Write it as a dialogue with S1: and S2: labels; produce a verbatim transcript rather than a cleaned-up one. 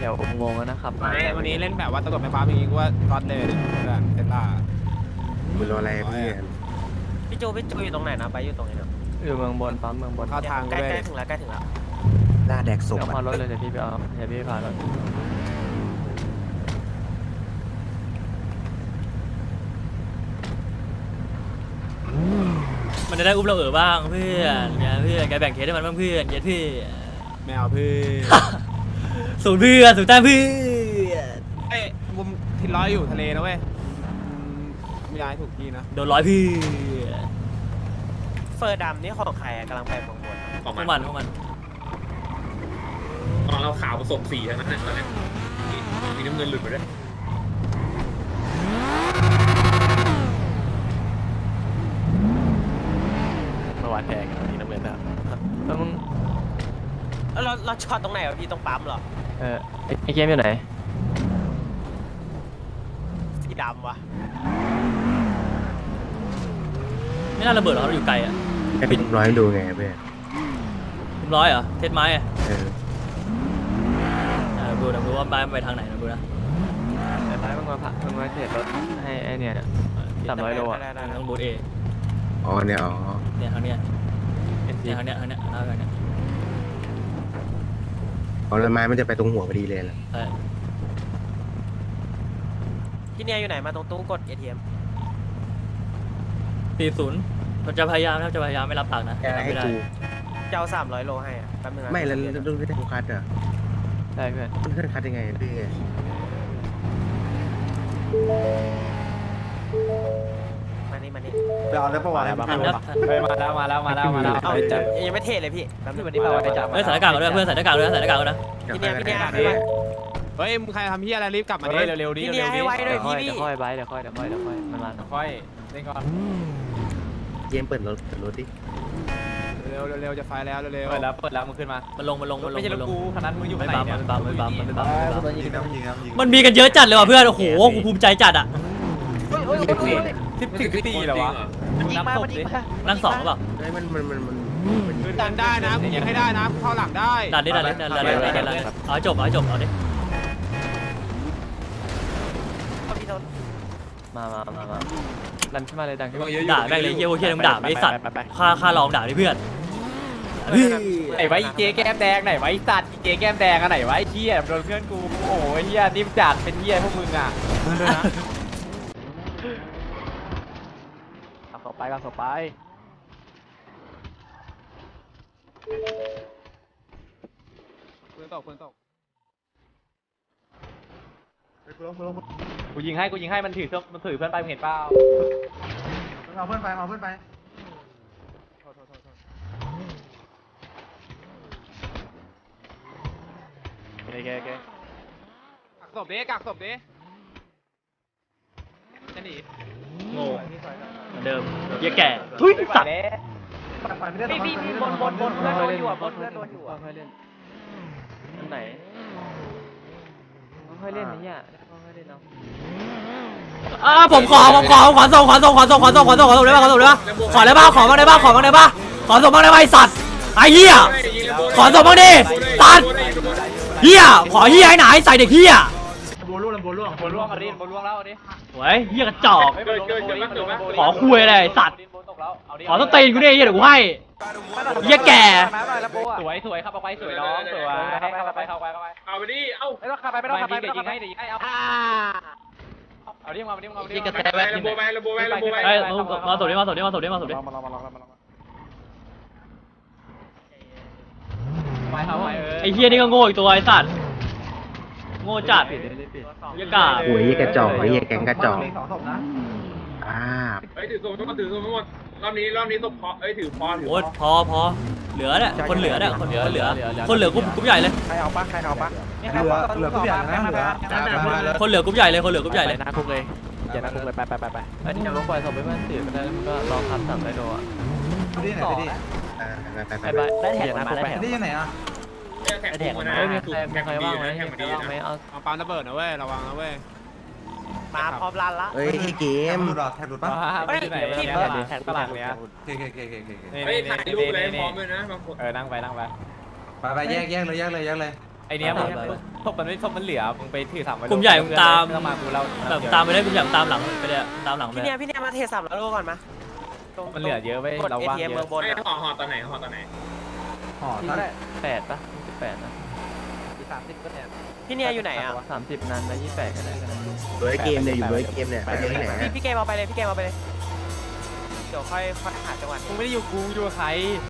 S1: วอุโมงค์นะครับ
S2: วันนี้เล่นแบบว่าตำรวจไม่ฟ้าอย่างงี้ก็ว่าก๊อตเลยเพื่อนเซล่า
S3: มึงรออะไรเพื่อน
S4: พี่โจพี่โจอยู่ตรงไหนนะไปอยู่ตรงไหนนะ
S1: อยู่เมืองบนปั๊มเมืองบน
S2: เข้าทาง
S4: ใกล้
S2: ด้วย
S4: ใกล้ถึงแล้วใกล้ถึงแล้ว
S3: ล่าแดกศพ
S1: เอา
S3: อ่ะ
S1: พารถเลยเดี๋ยวพี่ไปเอาเดี๋ยวพี่พารถ
S5: มันจะได้อุ้มเราเออบ้างเพื่อนเนี่ยเพื่อนแกแบ่งเคสให้มันบ้างเพื่อนเย็ดพี่
S2: ไม่เอาเพื่อน
S5: สูตรเพื่อนสูตรแต้มเพื่อน
S2: เอ้ยมุมทิศร้อยอยู่ทะเลนะเว้ยไม่ย้ายถูกที่นะ
S5: โดนร้อยเพื่อน
S4: เฟอร์ดำนี่ของใครกำลังไปบางบน
S6: ของ
S5: พว
S6: มั
S5: ก
S6: น
S5: มันพวกมัน
S6: ของเราขาวผสมสีทั้งนั้นนะตอนนี้มีน้ำเงินหลุดไปด้วย
S1: เมื่อวานแทงอันนี้น้ำเงินนะแล้วมึง
S4: แล้วเราเราช็อตตรงไหนวะพี่ตรงปั๊มเหรอ
S1: เออไอ้ไอ้เกมอยู่ไหน
S4: สีดำวะ
S5: ไม่น่าระเบิดหรอกเราอยู่ไกลอ่ะ
S3: ให้เป็นร้อยดูไงเพื่อน
S5: เรียบร้อยเหรอเทสไม้อ่ะ
S3: เออ
S5: อ่าดูนะดูว่าไม้มันไปทางไหนนะดูนะ
S1: แต่ท้ายมึงมาผ่ามึงมาเทรดรถให้ไอ้เนี่ยสามร้อยโลอ่ะ
S4: ได้ได้ได้
S5: ต้องบูทเอ
S3: อ๋อเนี่ยอ๋อ
S5: เนี่ยทางเนี้ย
S1: เอ็นจี
S5: เนี่ยทางเนี้ยทางเนี้ยทางเนี้ย
S3: อ๋อแล้วไม้มันจะไปตรงหัวพอดีเลยเหรอ
S5: ใช่
S4: ที่เนี่ยอยู่ไหนมาตรงตู้กด เอ ที เอ็ม
S5: สี่ศูนย์เราจะพยายามนะครับจะพยายามไม่รับปากนะ
S3: แกให้
S5: ไม่ได้
S3: กู
S4: เจ้าสามร้อยโลให้อะแป๊บนึงนะ
S3: ไม่แล้วแล้วดูได้กูคัดเหรอ
S1: ใช่เพื่อน
S3: เพื่อนคัดยังไงพี่
S4: มานี่มานี่
S2: ไปเอาแล้วประวัติอะไรบ้าง
S5: ทันครับทัน
S2: ไปมาแล้วมาแล้วมาแล้วมาแล้ว
S4: เอ้า
S2: ไปจับ
S4: ยังไม่เทเลยพี่แป๊บนึง
S2: วันนี้เราไปจับ
S5: เฮ้ยใส่หน้ากากกันด้วยเพื่อนใส่หน้ากากด้วยนะใส่หน้ากากด้วยนะ
S4: ที่เนี่ยพี่เนี่ย
S3: เฮ้ย
S2: เฮ้ยมึงใครทำเฮียอะไรรีบกลับมาดิเร็วๆดิ
S4: ที่เนี่ยให้ไวหน่
S1: เดี๋
S4: อย
S1: ยวค่อย
S4: พี่
S1: เดี๋ยวค่อยไบเดี๋ยวค่อยเดี๋ยวค่อยเดี๋ยวค่อยมันมา
S2: ค่อยเล่นก่อน
S3: เกมเปิดรถเปิดรถดิ
S2: เร็วเร็วจะไฟแล้วเร็วเปิดแล้วเปิดแล้วมึงขึ้นมา
S5: มันลงมันลงมันลง
S2: ไม่ใช่
S5: มัน
S2: รถ
S5: ลง
S2: กูคันนั้นมึงอยู่
S5: ไม่
S2: ไหน
S5: บัม
S2: เนี่ย
S5: มันบัมมันบัมมันบัม
S7: ยิงน้ำยิงน้ำยิง
S5: มันมีกันเยอะจัดเลยว่ะเพื่อนโอ้โหกูภูมิใจจัดอ่ะ
S2: สิบสิบตีเหรอวะ
S4: ยิงมามันยิงมา
S5: นั่งสองหรือเปล่า
S3: เฮ้ยมันมันมันมัน
S2: ขึ้นดันได้นะกูยิงให้ได้นะเข้าหลังได้
S5: ดันดิดันดิดันดันดันดันดันเอาให้จบเอาให้จบเอาดิ
S4: เอาพี่โทษ
S1: มามามามาดันขึ้นมาเลยดันขึ้นมา
S5: ด่าได้เลยเฮียโอเคมึงด่าไอ้สัตว์ค่าค่าลองด่าดิเพื่อน
S2: ไหนไว้เจ๊แก้มแดงไหนไว้สัตว์เจ๊แก้มแดงอะไหนไว้เฮียโดนเพื่อนกูโอ้ยเฮียนิ่มจัดเป็นเฮียพวกมึงอ่ะ
S1: เอาเข้าไปเอาเข้าไป
S2: ปืนตกปืนตก
S7: กูยิงให้กูยิงให้มันถือมันถือเพื่อนไปเห็นเปล่าเอาเพื่อนไปเอาเพื่อนไปโอเคโอเค
S2: กักศพดิกักศพดิจะหนี
S5: โง่เหมือนเดิมเฮียแก่ทุยสัตว์
S4: พี่พี่พี่บนบนบนเพื่อนโดนอยู่อ่ะบนเพื่อนโดนอยู่อ่ะ
S1: ค่อยๆเล่นอันไหนค่อยๆเล่นนี่อ่ะค่อยๆเล่นเอา
S5: อ่าผมขอผมขอขอส่งขอส่งขอส่งขอส่งขอส่งขอส่งได้ป่ะขอส่งได้ป่ะขอได้ป่ะขอบ้างได้ป่ะขอบ้างได้ป่ะขอส่งบ้างได้ป่ะไอ้สัตว์ไอ้เหี้ยขอส่งบ้างดิสัตว์เหี้ยขอเหี้ยให้ไหนใส่เด็กเหี้ย
S7: บัวล่วงบัวล่วงบัวล่วงเอาดิบัวล่วงแล้วเอาดิ
S5: โว้ยเหี้ยกระจอก
S6: เกิดเกิดเกิดเกิด
S5: ขอคุยอะไรไอ้สัตว์
S7: บัวตกแล้วเอาดิ
S5: ขอต้องตีนกูดิเหี้ยเดี๋ยวกูให้เหี้ยแก่
S7: สวยสวยครับเอาไปสวยน้องสวยเข้าไปเข้าไปเข้าไป
S6: เอาไปดิเอ้า
S7: ไม่ต้องขับไปไม่ต้องขับไปเดี๋ยวยิงให้เดี๋ยวยิงให้เอาเอาดิมาเอาดิมาเอาดิ
S5: ยิงกระแท
S6: ไประโบไประโบไประโบไ
S5: เอ้ยมาสดดิมาสดดิมาสดดิมาสดดิ
S7: มาลองมาลองมาลองมาลองไปเข้าไปเออ
S5: ไอ้เหี้ยนี่ก็โง่อีกตัวไอ้สัตว์โง่จัด
S1: ปิดเลยปิด
S5: เหี้ยกา
S3: โอ้ยกระจอกไอ้เหี้ยแกงกระจอก
S7: สองศพนะ
S3: อ่า
S6: เฮ้ยถือโซ่ต้องมาถือโซ่ทั้งหมดรอบนี้รอบนี้ศพพอเอ้ยถือพอถือ
S5: โอ้ยพอพอเหลือเนี่ยคนเหลือเนี่ยคนเหลือเหลือคนเหลือกรุ๊ปกรุ๊ปใหญ่เลย
S7: ใครเอาปะใครเอาปะเหลือเหลือผู้ใหญ่นะเหลือ
S5: คนเหลือกรุ๊ปใหญ่เลยคนเหลือกรุ๊ปใหญ่เลย
S1: นาคุกเลยอย่านาคุกเลยไปไปไปไปเอ้ยเดี๋ยวลงปล่อยศพไปมันตื่นมันได้ก็รอคันสามได้โดอ่ะ
S7: ที่ไหนที่
S3: อ่าไปไป
S1: ไป
S3: ไป
S1: ไปได้แท็กมาได้แท็ก
S7: ที่ยังไหนอ่ะ
S6: แข่ง
S1: แท็ก
S6: กู
S1: มา
S6: นะ
S1: เฮ้ยมีใครมี
S6: แข่ง
S1: ใคร
S6: ดี
S1: ว่างไหม
S6: นะแข่ง
S1: มี
S6: ดี
S1: ใครว่างไหม
S6: นะ
S1: เอา
S2: เอาปั๊มระเบิดนะเว้ยระวังนะเว้ย
S4: มาพร้อมรันละ
S3: เฮ้ยเกม
S7: หลุดหรอแท็กหลุดปะ
S2: ไม่ไหนที่แข่งตลาดเนี้ย
S7: เคเคเคเคเค
S6: เฮ้ยถ่ายรูปเลยพร้อมเลยนะบางคน
S2: เออนั่งไปนั่งไป
S7: ไปไปแยกแยกเลยแยกเลยแยกเลย
S2: ไอเนี้ยมึงศพมันไม่ศพมันเหลือมึงไปถือสามไว้
S5: กลุ่มใหญ่ตาม
S2: ต้องมากูเรา
S5: แบบตามไปได้กลุ่มใหญ่ตามหลังไปเลยตามหลังไป
S4: พี่เนี่ยพี่เนี่ยมาเทสามแล้วโลก่อนมา
S2: มันเหลือเยอะไว้
S4: กด
S2: เรา
S4: เอ
S2: ว่าง
S4: ที
S2: เย
S4: เอ็มเมือ
S2: อะ
S4: งบน
S6: ไอ้
S4: อะ
S6: ห่อห่อตอนไหนห่อตอนไหน
S7: ห่อเท่าไหร่
S1: แปดปะยี่สิบแปดนะ
S7: สามสิบก็เนี่ย
S4: พี่เนี่ยอยู่ไหนอ่ะ
S1: สามสิบนันแล้วยี่สิบแปดก็ได้กัน
S3: เบอร์เกมเนี่ยอยู่เบอร์เกมเนี่ยไปที่ไหน
S4: พี่พี่เกมเอาไปเลยพี่เกมเอาไปเลยเดี๋ยวค่อยค่อยหาจังหวะ
S2: มึงไม่ได้อยู่กูอยู่กับใคร